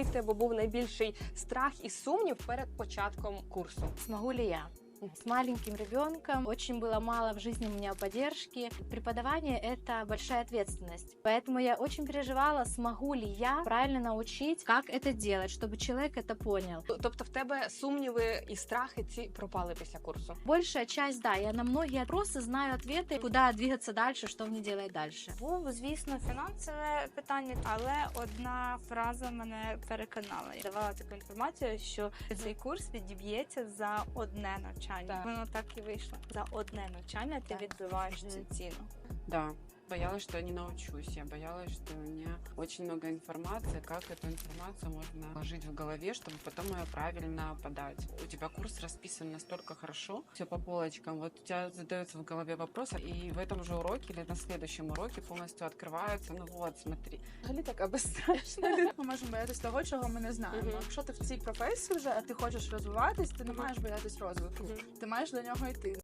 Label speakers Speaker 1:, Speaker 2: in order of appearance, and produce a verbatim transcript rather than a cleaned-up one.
Speaker 1: який в тебе був найбільший страх і сумнів перед початком курсу?
Speaker 2: Смогу ли я? С маленьким ребенком очень было мало в жизни у меня поддержки. Преподавание – это большая ответственность. Поэтому я очень переживала, смогу ли я правильно научить, как это делать, чтобы человек это понял.
Speaker 1: Тобто в тебе сумніви і страхи ці пропали після курсу?
Speaker 2: Большая часть, да. Я на многие вопросы знаю ответы, куда двигаться дальше, что мне делать дальше.
Speaker 3: Був, звісно, фінансове питання, але одна фраза мене переконала. Я давала таку інформацію, що цей курс відіб'ється за одне навчання.
Speaker 1: Так.
Speaker 3: Воно так і вийшло. За одне навчання ти
Speaker 2: Так.
Speaker 3: відбиваєш
Speaker 1: Мгм.
Speaker 3: цю ціну.
Speaker 4: Да, боялась, что я не научусь. Я боялась, что у меня очень много информации, как эту информацию можно вложить в голове, чтобы потом ее правильно подать. У тебя курс расписан настолько хорошо, все по полочкам. Вот у тебя задается в голове вопрос, и в этом же уроке или на следующем уроке полностью открывается. Ну вот, смотри.
Speaker 5: Взагалі така безстрашна. Ми можемо боятися того, чого ми не знаємо.
Speaker 1: Мгм.
Speaker 5: Якщо ти в цій професії вже, а ти хочеш розвиватись, ти не маєш боятись розвитку.
Speaker 1: Мгм.
Speaker 5: Ти маєш до нього йти.